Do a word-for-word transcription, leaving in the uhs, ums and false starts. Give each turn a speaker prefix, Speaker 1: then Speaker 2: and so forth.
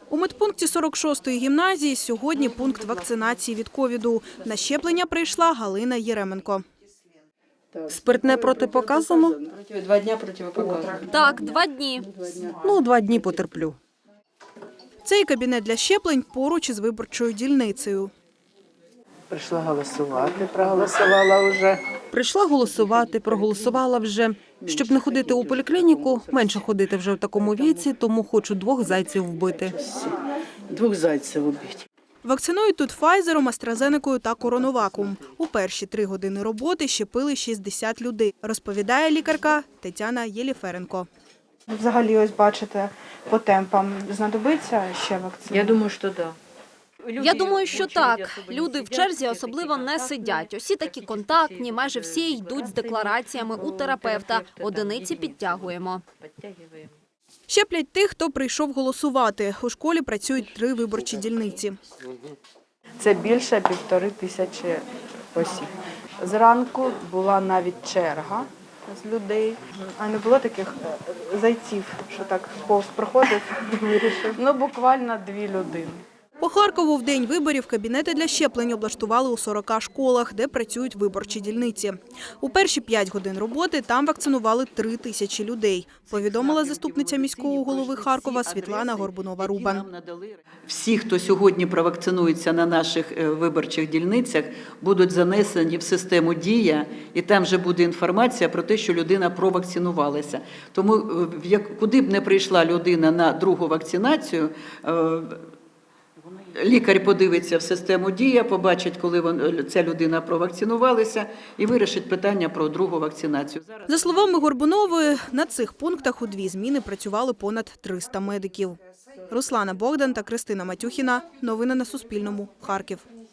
Speaker 1: У медпункті сорок шостої гімназії сьогодні пункт вакцинації від ковіду. На щеплення прийшла Галина Єременко.
Speaker 2: Спиртне протипоказано?
Speaker 3: Два дня протипоказано.
Speaker 4: Так, два дні.
Speaker 2: Ну, два дні потерплю.
Speaker 1: Цей кабінет для щеплень поруч із виборчою дільницею.
Speaker 3: Прийшла голосувати, проголосувала вже.
Speaker 2: Прийшла голосувати, проголосувала вже. Щоб не ходити у поліклініку, менше ходити вже в такому віці, тому хочу двох зайців вбити.
Speaker 3: Двох зайців убити.
Speaker 1: Вакцинують тут Файзером, Астразенекою та Коронаваком. У перші три години роботи щепили шістдесят людей, розповідає лікарка Тетяна Єліференко.
Speaker 5: Взагалі, ось бачите, по темпам знадобиться ще вакцина?
Speaker 3: Я думаю, що так.
Speaker 4: Я думаю, що так. Люди в черзі особливо не сидять. Усі такі контактні, майже всі йдуть з деклараціями у терапевта. Одиниці підтягуємо.
Speaker 1: Щеплять тих, хто прийшов голосувати. У школі працюють три виборчі дільниці.
Speaker 5: Це більше півтори тисячі осіб. Зранку була навіть черга з людей, а не було таких зайців, що так повз проходив, вирішив. Ну, буквально дві людини.
Speaker 1: По Харкову в день виборів кабінети для щеплень облаштували у сорока школах, де працюють виборчі дільниці. У перші п'ять годин роботи там вакцинували три тисячі людей, повідомила заступниця міського голови Харкова Світлана Горбунова-Рубан.
Speaker 6: Всі, хто сьогодні провакцинується на наших виборчих дільницях, будуть занесені в систему «Дія», і там вже буде інформація про те, що людина провакцинувалася. Тому куди б не прийшла людина на другу вакцинацію, лікар подивиться в систему «Дія», побачить, коли ця людина провакцинувалася, і вирішить питання про другу вакцинацію.
Speaker 1: За словами Горбунової, на цих пунктах у дві зміни працювали понад триста медиків. Руслана Богдан та Кристина Матюхіна. Новини на Суспільному. Харків.